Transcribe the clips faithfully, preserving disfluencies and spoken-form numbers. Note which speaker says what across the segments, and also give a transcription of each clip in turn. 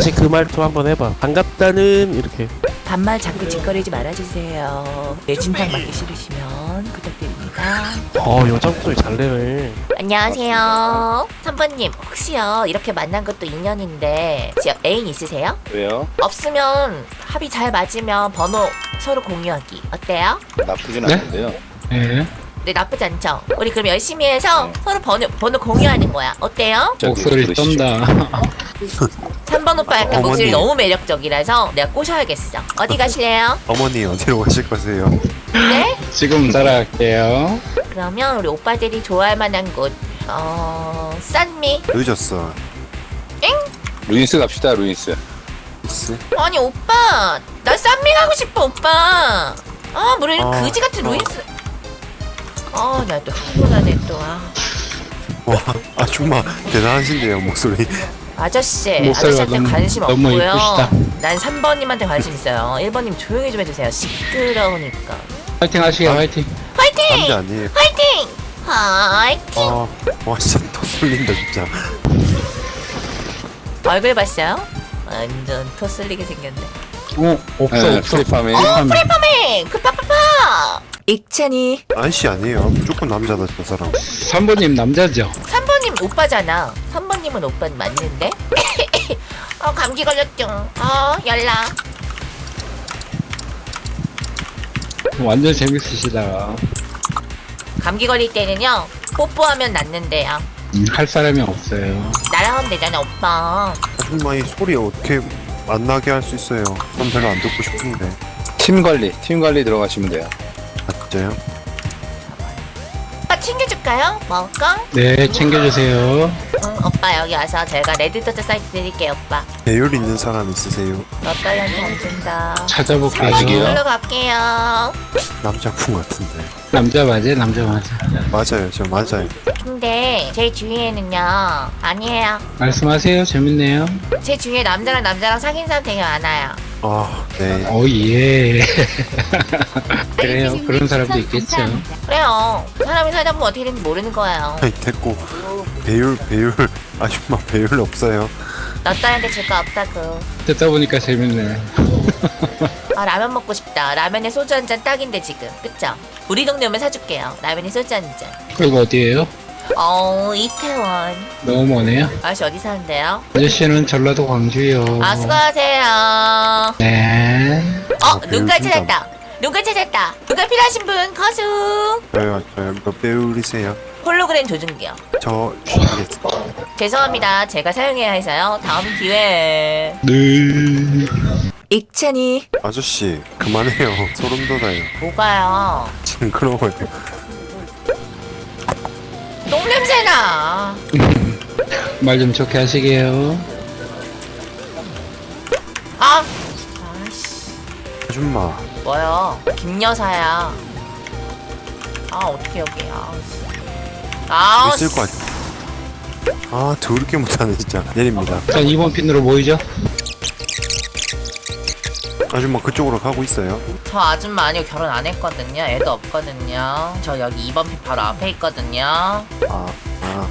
Speaker 1: 다시 그 말투 한번 해봐. 반갑다는 이렇게.
Speaker 2: 반말 자꾸 짓거리지 말아주세요. 내진탕 맞기 싫으시면 부탁드립니다.
Speaker 1: 어 여자 목소리 잘 내네.
Speaker 2: 안녕하세요. 삼 번님 혹시요 이렇게 만난 것도 인연인데 지 애인 있으세요?
Speaker 3: 왜요?
Speaker 2: 없으면 합이 잘 맞으면 번호 서로 공유하기 어때요?
Speaker 3: 나쁘진
Speaker 4: 네?
Speaker 3: 않은데요.
Speaker 4: 예.
Speaker 2: 네 나쁘지 않죠? 우리 그럼 열심히 해서 서로 번호, 번호 공유하는 거야 어때요?
Speaker 3: 저기
Speaker 4: 목소리
Speaker 3: 부르시죠.
Speaker 4: 떤다.
Speaker 2: 삼 번 오빠 약간
Speaker 5: 어머니.
Speaker 2: 목소리 너무 매력적이라서 내가 꼬셔야겠어. 어디 가실래요?
Speaker 5: 어머니 어디로 가실 거세요?
Speaker 2: 네?
Speaker 4: 지금 따라갈게요.
Speaker 2: 그러면 우리 오빠들이 좋아할 만한 곳 어... 싼미?
Speaker 5: 늦었어.
Speaker 3: 루인스 갑시다. 루인스.
Speaker 5: 있어?
Speaker 2: 아니 오빠 나 싼미 가고 싶어 오빠. 아 뭐래
Speaker 5: 아,
Speaker 2: 그지 같은
Speaker 5: 어.
Speaker 2: 루이스. 아나 또 흥분하네 또. 아.
Speaker 5: 와 아줌마 대단하신데요 목소리.
Speaker 2: 아저씨
Speaker 4: 목소리가
Speaker 2: 아저씨한테
Speaker 4: 너무-
Speaker 2: 관심
Speaker 4: 너무
Speaker 2: 없고요.
Speaker 4: 이쁘시다.
Speaker 2: 난 삼 번님한테 관심 있어요. 일 번님 조용히 좀 해주세요. 시끄러우니까.
Speaker 4: 화이팅 하시게,
Speaker 5: 아.
Speaker 4: 화이팅.
Speaker 2: 화이팅!
Speaker 5: 남자 아니에요?
Speaker 2: 화이팅! 화이팅!
Speaker 5: 아, 와 진짜 더 쏠린다 진짜.
Speaker 2: 얼굴 봤어요? 완전 토슬리게 생겼네.
Speaker 4: 어, 없어,
Speaker 3: 네,
Speaker 4: 없어.
Speaker 3: 프리팜에.
Speaker 2: 프리파밍! 급파파파! 익찬이
Speaker 5: 아저씨 아니에요. 무조건 남자다 저 사람.
Speaker 4: 삼 번님 남자죠?
Speaker 2: 삼 번님 오빠잖아. 삼 번님은 오빠 맞는데? 어 감기 걸렸죠. 어 연락.
Speaker 4: 완전 재밌으시다.
Speaker 2: 감기 걸릴 때는요 뽀뽀하면 낫는데요.
Speaker 4: 음, 할 사람이 없어요.
Speaker 2: 나랑 하면 되잖아 오빠.
Speaker 5: 아줌마 이 소리 어떻게 안 나게 할 수 있어요? 전 별로 안 듣고 싶은데.
Speaker 3: 팀 관리. 팀 관리 들어가시면 돼요.
Speaker 5: 아 진짜요?
Speaker 2: 오빠 챙겨줄까요? 먹을까?
Speaker 4: 네, 챙겨주세요.
Speaker 2: 응 오빠 여기 와서 제가 레드도트 사이트 드릴게요 오빠.
Speaker 5: 배율 있는 사람 있으세요?
Speaker 2: 너떨한테 안 준다.
Speaker 4: 찾아볼게요.
Speaker 3: 아직이요?
Speaker 2: 놀러 갈게요.
Speaker 5: 남자분 같은데.
Speaker 4: 남자 맞아요, 남자 맞아.
Speaker 5: 맞아요, 저 맞아요.
Speaker 2: 근데 제 주위에는요 아니에요.
Speaker 4: 말씀하세요, 재밌네요.
Speaker 2: 제 주위에 남자랑 남자랑 사귄 사람 되게 많아요.
Speaker 5: 아, 네.
Speaker 4: 오, 예. 그래요, 그런 사람도 있겠죠.
Speaker 2: 그래요. 사람이 살다 보면 어떻게 되는지 모르는 거예요.
Speaker 5: 아니 됐고 배율 배율 아줌마 배율 없어요.
Speaker 2: 너 딸한테 줄 거 없다고.
Speaker 4: 듣다 보니까 재밌네.
Speaker 2: 아 라면 먹고 싶다. 라면에 소주 한 잔 딱인데 지금. 그쵸? 우리 동네 오면 사줄게요. 라면에 소주 한 잔.
Speaker 4: 그리고 어디에요?
Speaker 2: 어 이태원.
Speaker 4: 너무 머네요.
Speaker 2: 아저씨 어디 사는데요?
Speaker 4: 아저씨는 전라도 광주요.
Speaker 2: 아 수고하세요.
Speaker 4: 네.
Speaker 2: 어
Speaker 5: 아,
Speaker 2: 눈깔
Speaker 5: 진짜.
Speaker 2: 찾았다. 눈깔 찾았다. 눈깔 필요하신 분 거수.
Speaker 5: 저요, 저요. 몇 배율이세요?
Speaker 2: 홀로그램 조준기요.
Speaker 5: 저 알겠습니다.
Speaker 2: 죄송합니다. 제가 사용해야 해서요. 다음 기회에.
Speaker 4: 네.
Speaker 2: 익찬이.
Speaker 5: 아저씨 그만해요. 소름 돋아요.
Speaker 2: 뭐가요?
Speaker 5: 징그러워요.
Speaker 2: 똥냄새나.
Speaker 4: 말 좀 좋게 하시게요.
Speaker 2: 아. 아씨.
Speaker 5: 아줌마
Speaker 2: 뭐요? 김여사야. 아 어떻게 여기야? 아.
Speaker 5: 있을 거 아니야. 아 더럽게 못하네 진짜. 내립니다.
Speaker 4: 자, 이 번 핀으로 모이죠?
Speaker 5: 아줌마 그쪽으로 가고 있어요.
Speaker 2: 저 아줌마 아니고 결혼 안 했거든요. 애도 없거든요. 저 여기 이 번 핀 바로 앞에 있거든요.
Speaker 5: 아, 아.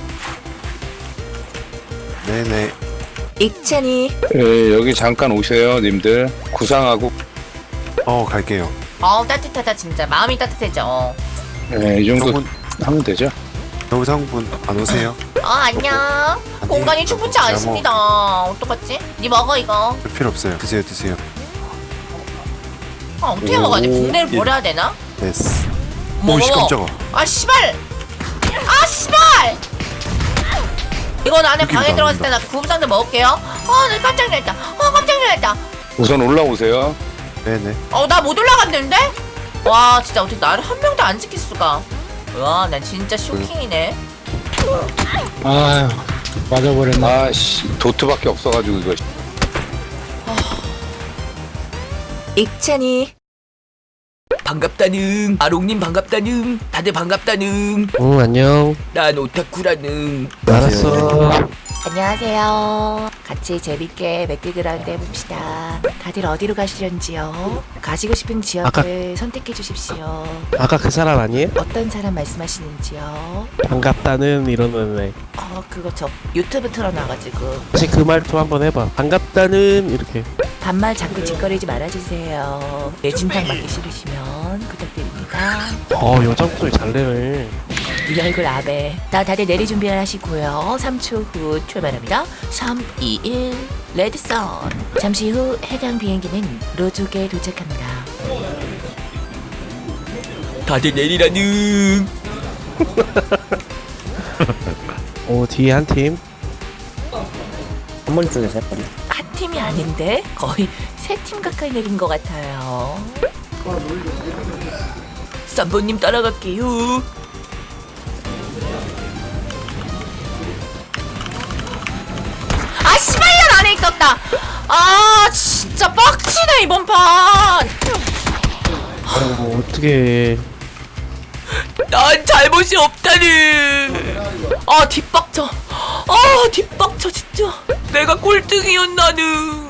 Speaker 5: 네네.
Speaker 2: 익찬이.
Speaker 3: 예, 여기 잠깐 오세요, 님들. 구상하고.
Speaker 5: 어 갈게요.
Speaker 2: 어우 따뜻하다 진짜. 마음이 따뜻해져.
Speaker 3: 예, 이 정도
Speaker 5: 여러분
Speaker 3: 하면 되죠.
Speaker 5: 여성분 안 오세요?
Speaker 2: 어 안녕. 공간이 충분치 않습니다. 어떡하지? 니 먹어 이거.
Speaker 5: 별 필요 없어요. 드세요 드세요.
Speaker 2: 아 어떻게
Speaker 5: 오,
Speaker 2: 먹어야 돼? 국내를
Speaker 5: 예.
Speaker 2: 버려야 되나?
Speaker 5: 됐어.
Speaker 2: 뭐,
Speaker 5: 오씨
Speaker 2: 뭐?
Speaker 5: 깜짝아.
Speaker 2: 아 씨발! 아 씨발! 이건 안에
Speaker 5: 느낌
Speaker 2: 방에 들어갔을 때 나
Speaker 5: 나온다.
Speaker 2: 구급상자 먹을게요. 어, 나 깜짝 놀랐다. 어, 깜짝 놀랐다.
Speaker 3: 우선 올라오세요.
Speaker 5: 네네.
Speaker 2: 어, 나 못 올라갔는데? 와, 진짜 어떻게 나를 한 명도 안 지킬 수가. 와, 난 진짜 쇼킹이네.
Speaker 4: 아유, 맞아버렸네.
Speaker 3: 아씨, 도트밖에 없어가지고 이거.
Speaker 2: 익찬이. 반갑다는. 아롱님 반갑다는. 다들 반갑다는.
Speaker 1: 응 안녕.
Speaker 2: 난 오타쿠라는.
Speaker 1: 알았어.
Speaker 2: 안녕하세요. 같이 재밌게 맥기그라운드 해봅시다. 다들 어디로 가시려는지요? 가시고 싶은 지역을 선택해 주십시오.
Speaker 1: 아까 그 사람 아니에요?
Speaker 2: 어떤 사람 말씀하시는지요?
Speaker 1: 반갑다는 이러는 애.
Speaker 2: 어 그거 저 유튜브 틀어놔가지고
Speaker 1: 혹시 그 말투 한번 해봐. 반갑다는 이렇게.
Speaker 2: 반말 자꾸 짓거리지 말아주세요. 내 진탕 맞기 싫으시면 부탁드립니다.
Speaker 1: 어 여자 목소리 잘 내네.
Speaker 2: 네 얼굴 아베. 다 다들 내리 준비를 하시고요. 삼 초 후 출발합니다. 삼, 이, 일. 레드선. 잠시 후 해당 비행기는 로족에 도착합니다. 다들 내리라는.
Speaker 1: 오 뒤에 한 팀.
Speaker 6: 한 번 쪽에서 해버려.
Speaker 2: 한 팀이 아닌데 거의 세 팀 가까이 내린 것 같아요. 쌈보님 따라갈게요. 아 씨발년 안에 있었다. 아 진짜 빡치네 이번 판.
Speaker 1: 어 어떻게?
Speaker 2: 난 잘못이 없다는. 아 뒷박쳐. 아 뒷박쳐 진짜. 내가 꼴등이었나는.